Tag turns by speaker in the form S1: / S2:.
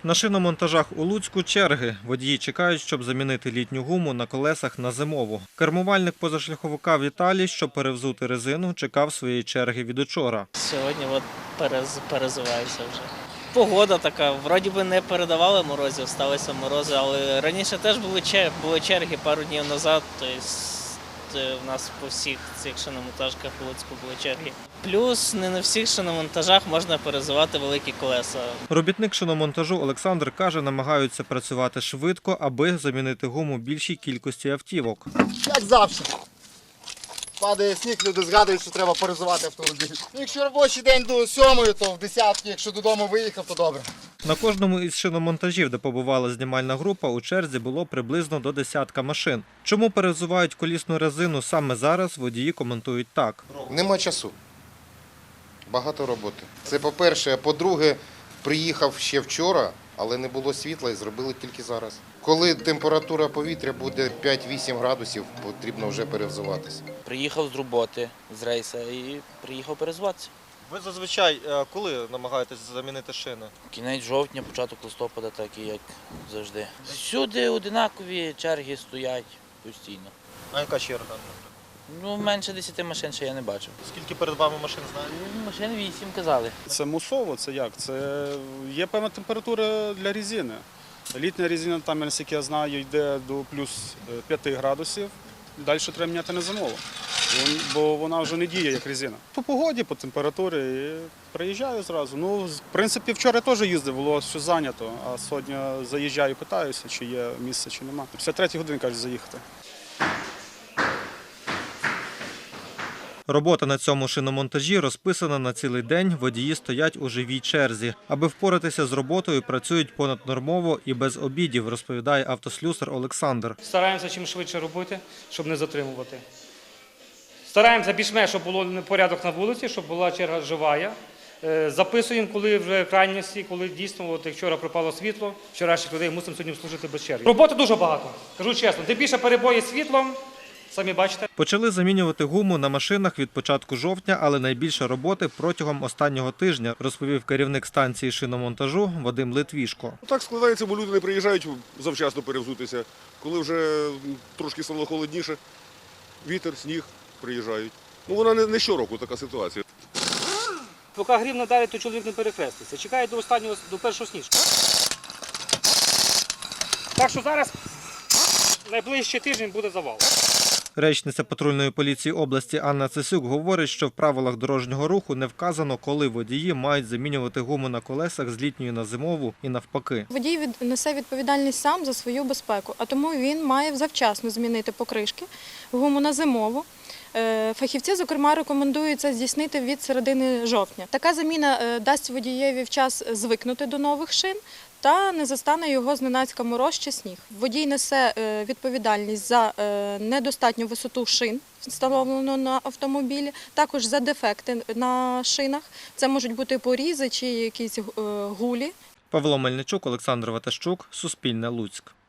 S1: На шиномонтажах у Луцьку черги. Водії чекають, щоб замінити літню гуму на колесах на зимову. Кермувальник позашляховика Віталій, щоб перевзути резину, чекав своєї черги від учора.
S2: Сьогодні перезуваюся вже. Погода така, вроді би не передавали морозів, сталися морози, але раніше теж були черги пару днів назад, тобто в нас по всіх цих шиномонтажках у Луцьку були черги. Плюс не на всіх шиномонтажах можна перезувати великі колеса.
S1: Робітник шиномонтажу Олександр каже, намагаються працювати швидко, аби замінити гуму більшій кількості автівок.
S3: Як завжди. Падає сніг, люди згадують, що треба перезувати автомобіль. Якщо робочий день до 7-ї, то в 10-й, якщо додому виїхав, то добре.
S1: На кожному із шиномонтажів, де побувала знімальна група, у черзі було приблизно до десятка машин. Чому перевзувають колісну резину саме зараз, водії коментують так.
S4: Нема часу. Багато роботи. Це по-перше. А по-друге, приїхав ще вчора, але не було світла і зробили тільки зараз. Коли температура повітря буде 5-8 градусів, потрібно вже перевзуватися.
S5: Приїхав з роботи, з рейсу і приїхав перезватися.
S1: Ви зазвичай коли намагаєтесь замінити шини?
S5: Кінець жовтня, початок листопада, так і як завжди. Всюди одинакові черги стоять постійно.
S1: А яка черга?
S5: Менше 10 машин ще я не бачив.
S1: Скільки перед вами машин знаєте?
S5: Машин 8 казали.
S6: Це мусово, це як? Це є певна температура для резини. Літня резина, там, наскільки я знаю, йде до плюс 5 градусів. Далі треба міняти на зимову, бо вона вже не діє як резина. По погоді, по температурі і приїжджаю зразу. В принципі, вчора теж їздив, було все зайнято, а сьогодні заїжджаю, питаюся, чи є місце, чи нема. 53 години, кажуть, заїхати.
S1: Робота на цьому шиномонтажі розписана на цілий день, водії стоять у живій черзі. Аби впоратися з роботою, працюють понаднормово і без обідів, розповідає автослюсар Олександр.
S7: Стараємося чим швидше робити, щоб не затримувати. Стараємося більш-менш, щоб було порядок на вулиці, щоб була черга жива. Записуємо, коли вже крайності, коли дійсно, як вчора пропало світло, вчорашніх людей мусимо сьогодні служити без черги. Роботи дуже багато, кажу чесно. Де більше перебої з світлом, самі бачите.
S1: Почали замінювати гуму на машинах від початку жовтня, але найбільше роботи протягом останнього тижня, розповів керівник станції шиномонтажу Вадим Литвішко.
S8: Так складається, бо люди не приїжджають завчасно перевзутися. Коли вже трошки стало холодніше, вітер, сніг, приїжджають. Вона не щороку така ситуація.
S7: Поки грім не дарить, то чоловік не перехреститься. Чекає до першого сніжка. Так що зараз найближчий тиждень буде завал.
S1: Речниця патрульної поліції області Анна Цесюк говорить, що в правилах дорожнього руху не вказано, коли водії мають замінювати гуму на колесах з літньої на зимову і навпаки.
S9: Водій несе відповідальність сам за свою безпеку, а тому він має завчасно змінити покришки, гуму на зимову. Фахівці, зокрема, рекомендують це здійснити від середини жовтня. Така заміна дасть водієві час звикнути до нових шин та не застане його зненацька мороз чи сніг. Водій несе відповідальність за недостатню висоту шин, встановлену на автомобілі, також за дефекти на шинах. Це можуть бути порізи чи якісь гулі.
S1: Павло Мельничук, Олександр Ватащук, Суспільне, Луцьк.